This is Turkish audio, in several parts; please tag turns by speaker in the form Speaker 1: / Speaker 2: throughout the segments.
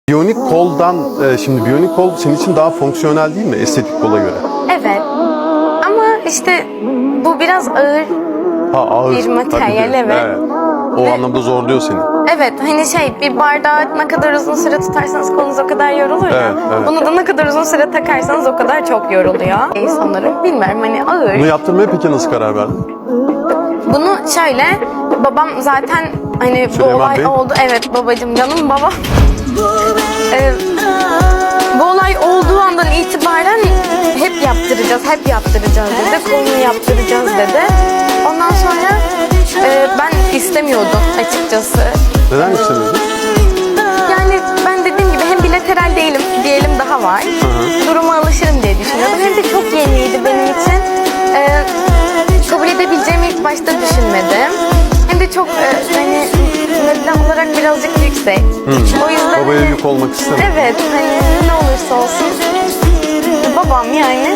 Speaker 1: Biyonik koldan, şimdi biyonik kol senin için daha fonksiyonel değil mi estetik kola göre?
Speaker 2: Evet. Ama işte bu biraz ağır
Speaker 1: Ağır.
Speaker 2: bir materyal,
Speaker 1: Tabii,
Speaker 2: evet.
Speaker 1: O anlamda zorluyor seni.
Speaker 2: Evet, hani bir bardağı ne kadar uzun süre tutarsanız kolunuz o kadar yorulur ya.
Speaker 1: Evet, evet.
Speaker 2: Bunu da ne kadar uzun süre takarsanız o kadar çok yoruluyor. Sanırım, bilmiyorum, hani ağır.
Speaker 1: Bunu yaptırmaya peki nasıl karar verdin?
Speaker 2: Bunu şöyle, babam zaten hani bu
Speaker 1: Süleyman
Speaker 2: olay
Speaker 1: Bey.
Speaker 2: oldu. Evet babacığım, canım babam. Bu olay olduğu andan itibaren hep yaptıracağız dedi. Kolunu yaptıracağız dedi. Ondan sonra ben istemiyordum açıkçası.
Speaker 1: Neden istemiyordun?
Speaker 2: Yani ben dediğim gibi hem bilateral değilim, diyelim daha var. Duruma alışırım diye düşünüyordum. Hem de çok yeniydi benim için. Kabul edebileceğimi ilk başta düşünmedim. Hem de çok hani meblağ olarak birazcık yüksek. O yüzden
Speaker 1: Babaya yük olmak istemem.
Speaker 2: evet, hani ne olursa olsun babam yani.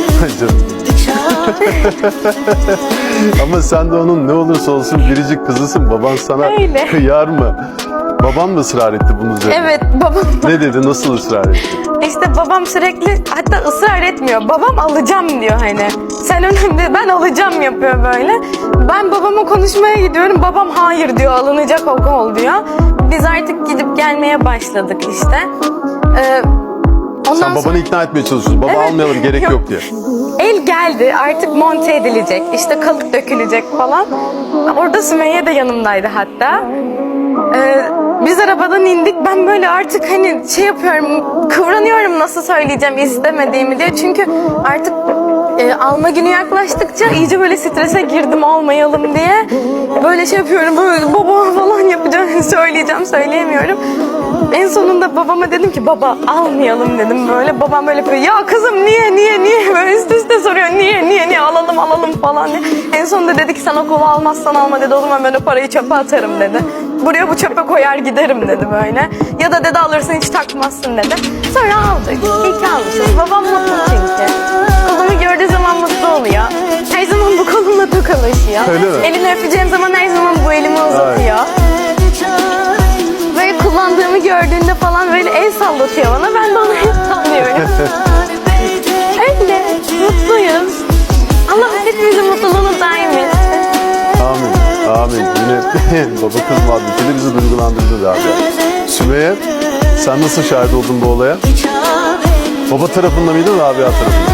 Speaker 1: Ama sen de onun ne olursa olsun biricik kızısın. Baban sana
Speaker 2: Öyle.
Speaker 1: kıyar mı? Baban mı ısrar etti bunun üzerine?
Speaker 2: Evet, babam.
Speaker 1: Ne dedi? Nasıl ısrar etti?
Speaker 2: İşte babam sürekli, hatta ısrar etmiyor. Babam alacağım diyor hani. Sen önemli, ben alacağım yapıyor böyle. Ben babama konuşmaya gidiyorum. Babam hayır diyor, alınacak o kol diyor. Biz artık gidip gelmeye başladık işte.
Speaker 1: Sen babanı ikna etmeye çalışıyorsun. Baba
Speaker 2: Evet,
Speaker 1: almayalım, gerek yok diye.
Speaker 2: El geldi, artık monte edilecek, işte kalıp dökülecek falan. Orada Sümeyye de yanımdaydı hatta. Biz arabadan indik, ben böyle artık hani yapıyorum, kıvranıyorum nasıl söyleyeceğim istemediğimi diye. Çünkü artık alma günü yaklaştıkça iyice böyle strese girdim, almayalım diye. Böyle yapıyorum, böyle baba falan yapacağım, söyleyemiyorum. En sonunda babama dedim ki baba almayalım dedim böyle. Babam böyle yapıyor, ya kızım niye böyle üst üste soruyor, niye alalım falan diye. En sonunda dedi ki sen o kolu almazsan alma dedi, o zaman ben o parayı çöpe atarım dedi. Buraya bu çöpe koyar giderim dedi böyle. Ya da dedi alırsın hiç takmazsın dedi. Sonra aldık. İyi ki almışız. Babam mutlu çünkü. Kolumu gördüğü zaman mutlu oluyor. Her zaman bu kolumla tokalaşıyor.
Speaker 1: Öyle mi?
Speaker 2: Elini öpeceğim zaman her zaman bu elimi uzatıyor. Böyle kullandığımı gördüğünde falan böyle el sallatıyor bana. Ben de ona el sallıyorum. Öyle. Mutluyuz. Allah hepimizin mutluluğunu daim etsin.
Speaker 1: Amin. Yine baba kız muhabbetiyle bizi duygulandırdı abi. Sümeyye, sen nasıl şahit oldun bu olaya? Baba tarafında mıydın, Rabia tarafında?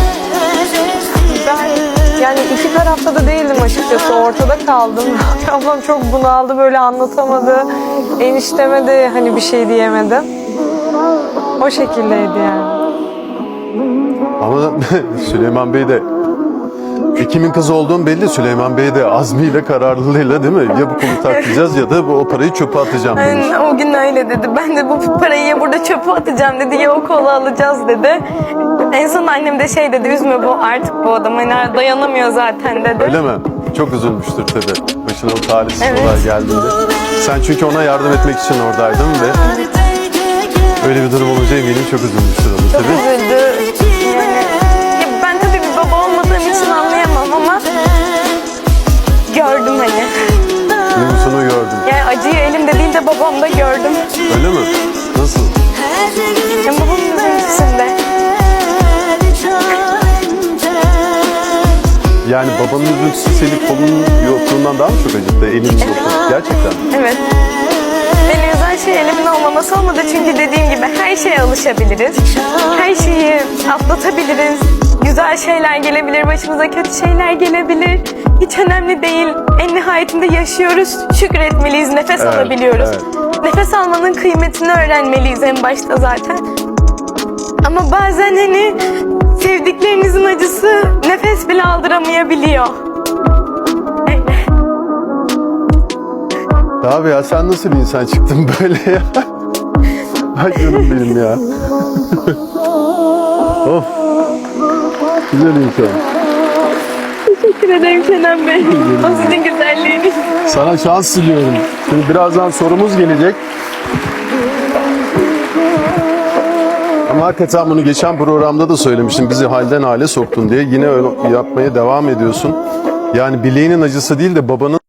Speaker 3: Ben yani iki tarafta da değildim açıkçası. Ortada kaldım. Ablam çok bunaldı, böyle anlatamadı. Enişteme de hani bir şey diyemedim. O şekildeydi yani.
Speaker 1: Ama Süleyman Bey de kimin kızı olduğum belli. Süleyman Bey de azmiyle, kararlılığıyla değil mi? Ya bu kolu takacağız ya da o parayı çöpe atacağım demiş.
Speaker 2: O gün öyle dedi. Ben de bu parayı ya burada çöpe atacağım dedi, ya o kolu alacağız dedi. En son annem de dedi, üzme bu artık bu adam hani dayanamıyor zaten dedi.
Speaker 1: Öyle mi? Çok üzülmüştür tabii. Başına o talihsiz
Speaker 2: Evet.
Speaker 1: olay geldiğinde. Sen çünkü ona yardım etmek için oradaydın ve öyle bir durum olunca eminim çok üzülmüştür onu
Speaker 2: Çok
Speaker 1: tabii.
Speaker 2: üzüldü. Yani, ben tabii bir baba olmadığım için anlayamam ama gördüm hani.
Speaker 1: Duygusunu gördüm.
Speaker 2: Yani acıyı elimde değil de babamda gördüm.
Speaker 1: Öyle mi? Nasıl?
Speaker 2: Yani babamın üzüntüsünde.
Speaker 1: Yani babanın üzüntüsü senin kolunun yokluğundan daha mı çok acıttı? Elinin yokluğu. Gerçekten.
Speaker 2: Evet. Beni üzen şey elimin olmaması olmadı çünkü dediğim gibi her şeye alışabiliriz. Her şeyi atlatabiliriz. Güzel şeyler gelebilir, başımıza kötü şeyler gelebilir. Hiç önemli değil. En nihayetinde yaşıyoruz, şükretmeliyiz, nefes alabiliyoruz.
Speaker 1: evet.
Speaker 2: Nefes almanın kıymetini öğrenmeliyiz en başta zaten. Ama bazen hani sevdiklerinizin acısı nefes bile aldıramayabiliyor. Öyle.
Speaker 1: Abi ya sen nasıl bir insan çıktın böyle ya? Ay canım benim ya. Of. Güzel insan.
Speaker 2: Teşekkür ederim Kenan Bey. O sizin güzelliğiniz.
Speaker 1: Sana şans diliyorum. Şimdi birazdan sorumuz gelecek. Ama hakikaten bunu geçen programda da söylemiştim. Bizi halden hale soktun diye. Yine öyle yapmaya devam ediyorsun. Yani bileğinin acısı değil de babanın